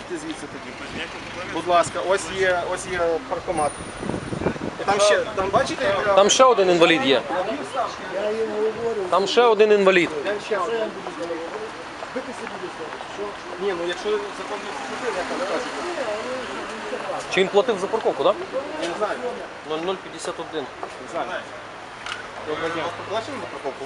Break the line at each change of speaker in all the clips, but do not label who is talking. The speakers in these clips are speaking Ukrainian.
Виїдьте звідси тоді. Будь ласка, ось є паркомат. І там бачите?
Там ще один інвалід є. Там ще один інвалід.
Ні, ну якщо закон не вступив, як там кажуть.
Чи він платив за парковку, так?
Я не знаю.
0051.
Не знаю. Доброго дня. Вас поплачено за парковку?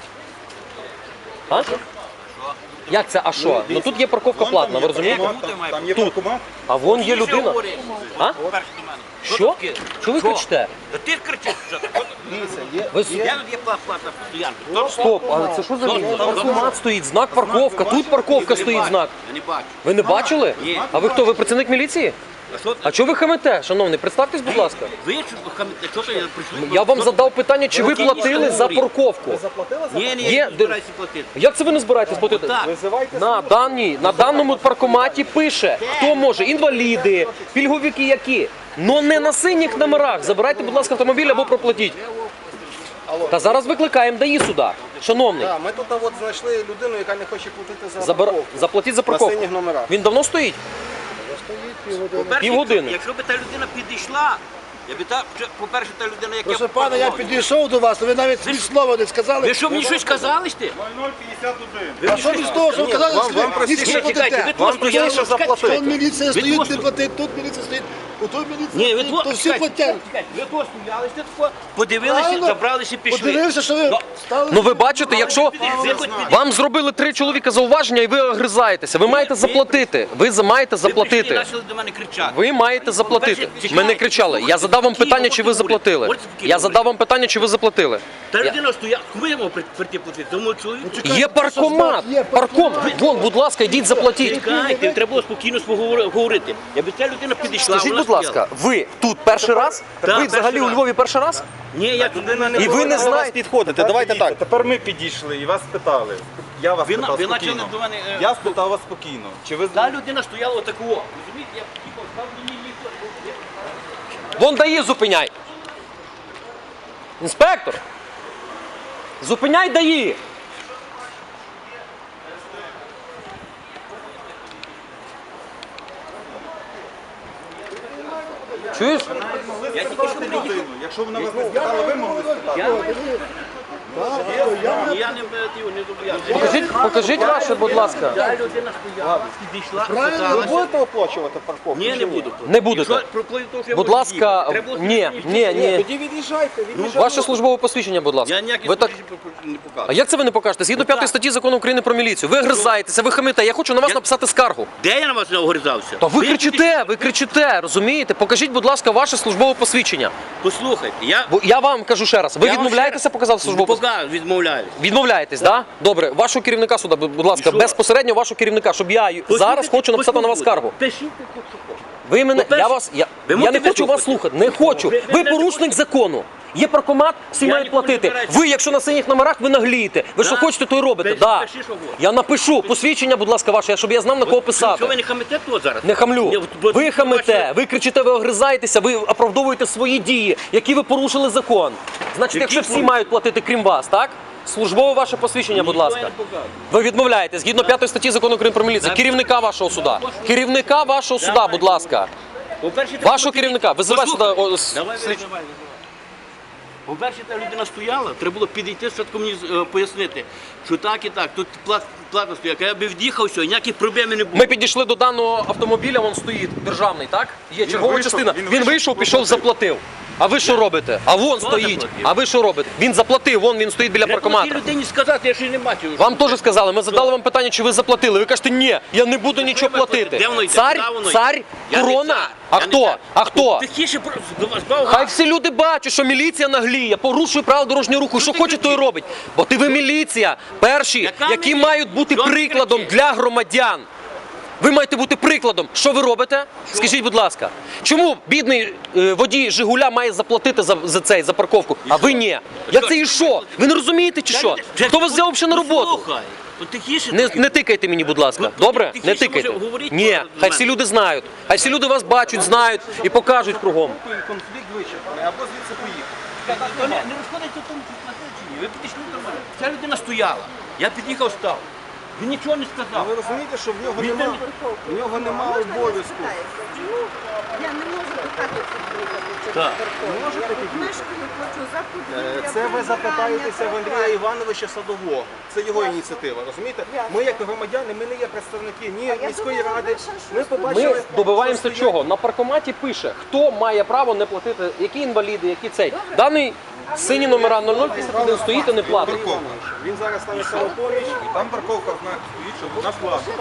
А? Як це, а що? Ну тут є парковка платна, ви розумієте?
Там є паркомат.
А вон є людина. А? Що? Що ви кричите?
Ти кричиш, що так?
Дивіться, є.
Я тут є платна стоянка.
Стоп, а це що за місце? Паркомат стоїть, знак парковка, тут парковка стоїть знак.
Я не бачу.
Ви не бачили?
Ні.
А ви хто, ви працівник міліції?
А що
А чого ви хамите, шановний? Представтесь, будь ласка.
ви що то я прийшли?
Я вам задав питання, чи ви платили за парковку.
Заплатили за
Ні,
Є,
я не збираюся платити.
Як це ви не збираєтесь платити?
Так.
Визивайте
На даному паркоматі пише, хто може, інваліди, пільговики які. Но не на синіх номерах. Забирайте, будь ласка, автомобіль або проплатіть. Та зараз викликаємо ДАІ сюди. Шановний,
Так, ми тут от знайшли людину, яка не хоче платити за парковку.
заплатіть за
На
парковку.
синіх номерах.
Він давно стоїть?
По-перше,
Півгодини.
Якщо б та людина підійшла, по-перше, та людина, яка...
Прошу пане, я підійшов до вас, ви навіть ні слова не сказали.
Ви що, мені щось казали сте?
0051.
А що ви з того, що ви казали,
Вам
що ви
простіше,
ніч не
чекайте, ви
платите?
Вам простіше заплатити.
Тут міліція
Ви
стоїть,
просто-
не платить, тут міліція стоїть, у той
Ні,
міліція
ви
стоїть, то всі платять.
Ви тут стояли, сте тако, подивилися,
Правильно.
забралися і пішли.
Подивився, що ви стали.
Ну ви бачите, якщо вам зробили 3 чоловіка зауваження і ви огризаєтеся, ви маєте заплатити. Ви маєте
Ви
заплатити.
почали до мене кричати.
Ви маєте заплатити. Ми не кричали. Я задав вам питання, чи ви заплатили. Я задав вам питання, чи ви заплатили.
Та людина стояла, кому я мав прийти платити? Тому чоловіку.
Є паркомат. Паркомат. Вон, будь ласка, йдіть заплатіть.
Чекайте, треба було спокійно говорити. Якби ця людина підійшла,
Скажіть,
вона
будь ласка, ви тут перший раз?
Так,
Ви взагалі
перший
у
раз.
Львові перший раз?
Ні, я туди
І ви не знаєте.
Підходите, давайте так. Тепер ми підійшли і вас спитали. Я вас
Ви
спитав
почали
спокійно.
до мене...
Я спитав вас спокійно. Чи ви
Та людина стояла отакого. Розумієте, я під'їхав, став мені ніхто.
Вон ДАІ зупиняй. Інспектор. Зупиняй ДАІ. Чуєш?
Я тільки що приїхав.
Якщо вона вас не спитала, ви могли спитати.
Я не зобов'язаний.
Покажіть ваше, будь ласка.
Та людина стояла, підійшла,
Ви
сказалася.
будете оплачувати парковку?
Ні, не буду.
Не будете.
Якщо проплив, то вже
Будь
можу
ласка,
їхати. Треба було
ні,
спокійно
ні.
Тоді від'їжджайте,
Ваше службове посвідчення, будь ласка.
Я ніякі
Ви так...
не
А
показую.
як це ви не покажете? Згідно 5 статті Закону України про міліцію. Ви гризаєтеся, ви хамите. Я хочу на вас написати скаргу.
Де я на вас не огризався?
Та ви кричите, розумієте? Покажіть, будь ласка, ваше службове посвідчення.
Послухайте, я...
Бо я вам кажу ще раз, ви
Я вам
відмовляєтеся
ще раз-
показати службове посвідчення?
Пока відмовляюсь.
Відмовляєтесь, так? Добре, вашого керівника сюди, будь ласка,
що?
безпосередньо вашого керівника, щоб я зараз хочу написати на вас скаргу.
Пишіть,
Ви мене,
По-перше,
я
ви
не
можете
хочу вас слухати, не хочу.
Ви
Ви
не
порушник закону. Є паркомат, всі
Я
мають
ніколи не
платити.
збираюся.
Ви, якщо на синіх номерах, ви наглієте. Ви що
Да?
хочете, то й робите.
Пиши,
Да.
пиши, що хочеш.
Я напишу посвідчення, будь ласка, ваше, щоб я знав, на кого
Що ви
писати.
не хамите тут зараз?
Не хамлю.
Ні, бо-
Ви хамите,
бачите,
ви кричите, ви огризаєтеся, ви оправдовуєте свої дії, які ви порушили закон. Значить,
Які
якщо всі
порушили?
мають платити, крім вас, так? Службове ваше посвідчення, будь
Ніхто
ласка.
я не показую.
Ви відмовляєте, згідно 5 статті Закону України про міліцію, керівника вашого суда. Керівника вашого суда, будь ласка.
По-перше, треба
Вашого
було
керівника. Визивай сюди.
Давай. По-перше, та людина стояла, треба було підійти, спочатку мені пояснити, що так і так, тут плата стояла. Я би в'їхав, все, ніяких проблем не було.
Ми підійшли до даного автомобіля, він стоїть державний, так? Є чергова
вийшов,
частина.
він
Він вийшов, пішов, заплатив. А ви що робите? А вон стоїть.
заплатив?
А ви що робите? Він заплатив, вон він стоїть біля
Треба було тій
паркомата.
людині сказати, я ще не бачив.
Вам теж сказали, ми задали вам питання, чи ви заплатили. Ви кажете, ні, я не буду нічого платити.
Де воно йде?
Цар,
Куди воно йде?
цар,
Я не
корона.
цар.
А
Я не
хто?
цар.
А хто?
Тихіше, до вас бав
Хай
газ.
всі люди бачать, що міліція нагліє, порушує правила дорожнього руху. Що
ти
хоче, то й
кричиш?
робить. Бо ти ви міліція, перші,
Яка
які
міліція?
мають бути
Що ти
прикладом
кричиш?
для громадян. Ви маєте бути прикладом. Що ви робите? Скажіть, будь ласка, чому бідний водій Жигуля має заплатити за парковку, а ви ні? Я це і що? Ви не розумієте чи що? Хто вас взяв взагалі на роботу?
Слухай, от тихіше.
Не тикайте мені, будь ласка.
Ви-
Добре?
тихіше,
Не тикайте.
може, говоріть
Ні,
до
хай
мене.
всі люди знають. Хай всі люди вас бачать, знають і покажуть кругом.
Конфлікт вичерпаний, або звідси поїхати.
Не розходиться в тому, чи платили чи ні. Ви підійшли до мене. Ця людина стояла. Я під'їхав, став. Він нічого не сказав.
Ви розумієте, що в нього немає обов'язку.
Я не можу до хати приїхати.
Так.
Мешкаю, хочу за подвір'я,
Це ви запитаєтеся в Андрія
прибирання.
Івановича Садового. Це його ініціатива, розумієте? Ми як громадяни, ми не є представники ні міської ради. Ми побачили...
Ми добиваємося
що стоїть-
чого? На паркоматі пише, хто має право не платити, які інваліди, які цей. Даний сині номера 0051 стоїть і не платить.
Він зараз стане самопоміч.
Там парковка знак стоїть, що вона платить.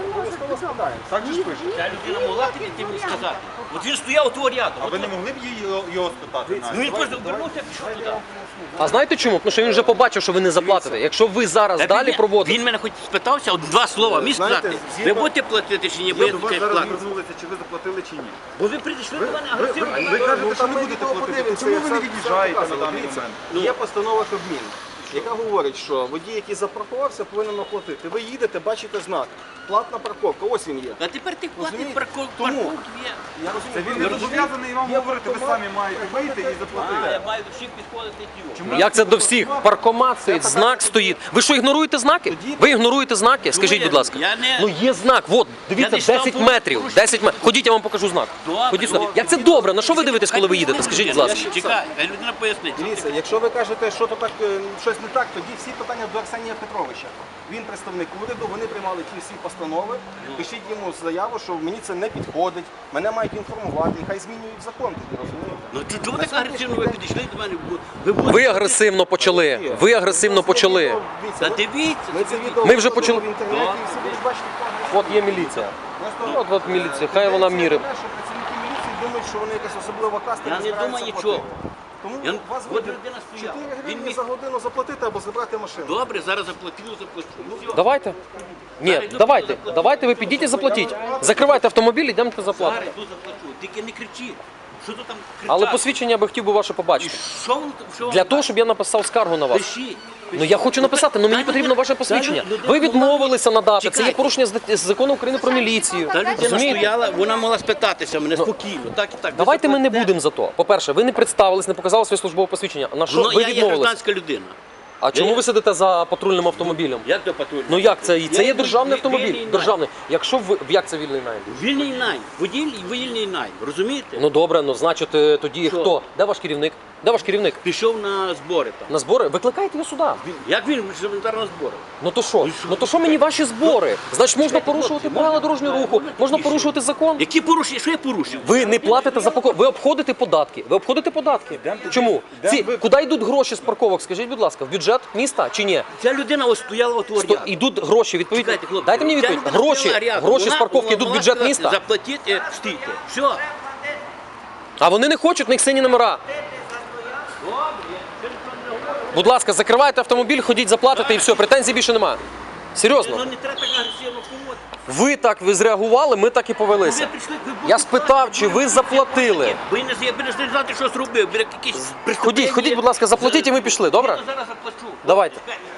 Так же ж пише.
Ця людина могла підійти мені сказати. От він стояв у того ряду.
А ви не могли б його спитати?
Ну він просто обернувся і пішов туди.
А знаєте чому? Тому що він вже побачив, що ви не заплатите. Якщо ви зараз далі проводите.
Він мене хоч спитався, от два слова міг
Знаєте,
сказати.
згідно-
Ви будете платити чи ні, бо я
До
тут
вас
кажу,
зараз
платити.
звернулися, чи ви заплатили, чи ні.
Бо ви прийшли до мене агресивно.
Ви кажете, що не будете платити. Чому ви не від'їжджаєте на даний
Дивіться,
момент?
є постанова Кабміну, яка говорить, що водій, який запаркувався, повинен оплатити. Ви їдете, бачите знак. Платна парковка, ось він є.
А тепер ти платить
Розумієте?
парковку
Тому-
є.
Я
Це
розумію,
він не зобов'язаний вам говорити, ви самі маєте вийти і
А, я
заплатити.
маю до всіх підходити тіло.
Як це до всіх? Паркомат стоїть, знак стоїть. Ви що, ігноруєте знаки? Ви ігноруєте знаки? Скажіть, будь ласка.
Я не-
Ну є знак, от, дивіться,
Я не став
10 метрів. 10 метрів. Ходіть, я вам покажу знак.
Добре,
Ходіть сюди.
добре.
Як це добре? На що ви дивитесь, коли ви їдете? Скажіть, будь ласка.
Чекай, хай людина пояснить.
Дивіться, якщо ви кажете, що то так щось не так, тоді всі питання до Арсенія Петровича. Він представник уряду, вони приймали ті всі постанови. Пишіть йому заяву, що мені це не підходить, мене мають інформувати, і хай змінюють закон тоді, розумієте?
Ну чому так агресивно ви підійшли до мене? Ви
Ви агресивно почали. Ви агресивно почали.
Та дивіться.
Ми це відео
Ми вже
викладемо
почали-
в інтернеті, і всі будуть бачити, хто
От є міліція.
Просто
От міліція, хай вона мірить.
Що працівники міліції думають, що вони якась особлива каста.
Я не
збираються
думаю
платити.
нічого.
Тому
Я-
у вас
от
вибір
людина стояла.
4
Він
гривні
міг-
за годину заплатити або забрати машину.
Добре, зараз заплатив. Все.
Давайте. Ні, давайте ви підіть і заплатіть. Закривайте автомобіль, йдемте заплатити.
Зараз йду заплачу. Тільки не кричи. Що ти там кричати?
Але посвідчення я би хотів би ваше
І
побачити.
що воно там? Що
Для того, щоб я написав скаргу на вас.
Пишіть.
Ну я хочу написати, але мені потрібно ваше посвідчення. Ви відмовилися надати. Це є
Чекайте.
порушення з закону України про міліцію.
Та людина
Розумієте?
стояла, вона могла спитатися мене спокійно. Так і так.
Давайте ми не будемо за то. По-перше, ви не представились, не показали своє службове посвідчення. На що
Ну,
ви
я є
відмовились?
гражданська людина.
А чому ви сидите за патрульним автомобілем?
Як до патрульного?
Ну як це? Це є
Я
державний
вільний
автомобіль.
найм.
Державний. Якщо ви як це вільний найм?
Вільний найм. Вільний найм. Розумієте?
Ну добре, ну значить тоді
Що?
хто? Де ваш керівник? Де ваш керівник?
Пішов на збори там.
На збори? Викликайте його сюди.
Як він елементарно на збори?
Ну то що? Ну то що мені ваші збори? Значить можна порушувати правила дорожнього руху, можна порушувати закон.
Які порушення? Що я порушив?
Ви не платите за парковку, ви обходите податки. Ви обходите податки. Чому? Куди йдуть гроші з парковок? Скажіть, будь ласка, в бюджет міста чи ні?
Ця людина ось стояла от ряду.
Йдуть гроші, відповідно.
Чекайте, хлопці.
Дайте мені
Ця
відповідь.
людина
Гроші,
стояла рядом.
гроші з
Вона
парковки йдуть в
могла
бюджет
сказати,
міста.
Заплатіть, стійте. Все.
А вони не хочуть, в них сині номера. Будь ласка, закривайте автомобіль, ходіть заплатите і все, претензій більше немає.
Ну
Серйозно.
не треба так агресивно поводити.
Ви зреагували, ми так і повелися.
Ви прийшли, ви
Я спитав, чи ви заплатили.
Ви не знати, що зробив. Ви якісь
Ходіть, будь ласка, заплатіть і ми пішли, добре?
Я зараз заплачу.
Давайте.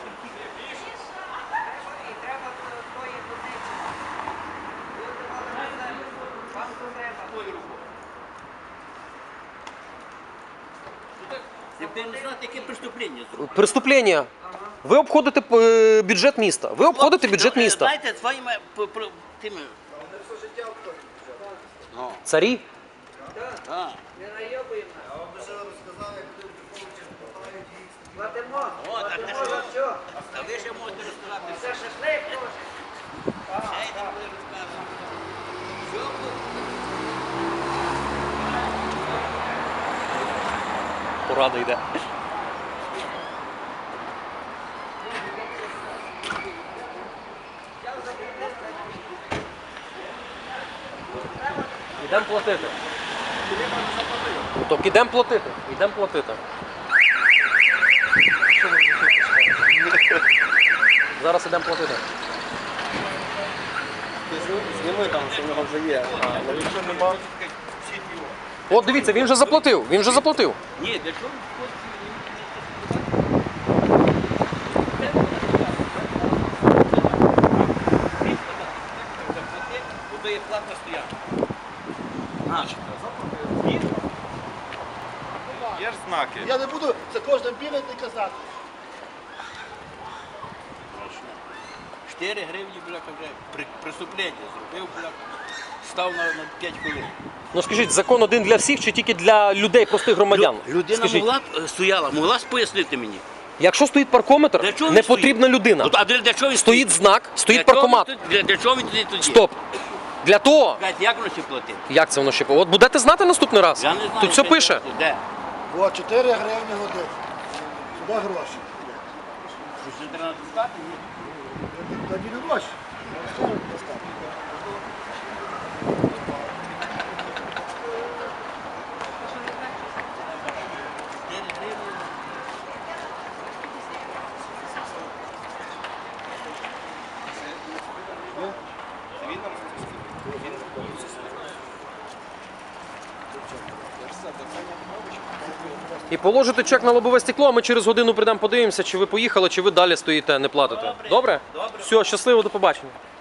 Ви не знаєте, яке преступлення зробив.
Преступлення. Ви обходите бюджет міста. Ви обходите бюджет міста.
Знаєте, своїми тими.
Царі?
А. О, так не що? А ви ще можете розказати. Це шашлик. Ще й не буде розказувати. Що буде?
Порада йде. Ідемо платити. Так, ідемо платити. Ідемо платити. Зараз ідемо платити.
Зніми там, що в нього вже є. Але якщо нема,
От дивіться, він вже заплатив. Він вже заплатив.
Ні, для чого? Бо є платна стоянка.
Є ж знаки.
Я не буду за кожним бігати і казати.
4 гривні, бляха, вже преступлення зробив, бляха, став на 5 хвилин.
Ну скажіть, закон один для всіх чи тільки для людей, простих громадян?
Людина
Скажіть,
могла б стояла, могла б пояснити мені.
якщо стоїть паркометр,
Для чого він
не
стоїть?
потрібна людина.
Ну, а для чого він
Стоїть знак, стоїть
Для чого
паркомат.
він тут- Для чого він тоді?
Стоп. Для того,
Кажуть, як воно ще платити?
як це воно ще? От будете знати наступний раз?
Я не знаю.
Тут все
що
пише.
це. Де?
О, 4 гривні годин. Сюди гроші.
Що ще треба достати?
Тоді не гроші.
І положите чек на лобове стекло, а ми через годину прийдемо, подивимося, чи ви поїхали, чи ви далі стоїте, не платите. Добре? Все, щасливо, до побачення.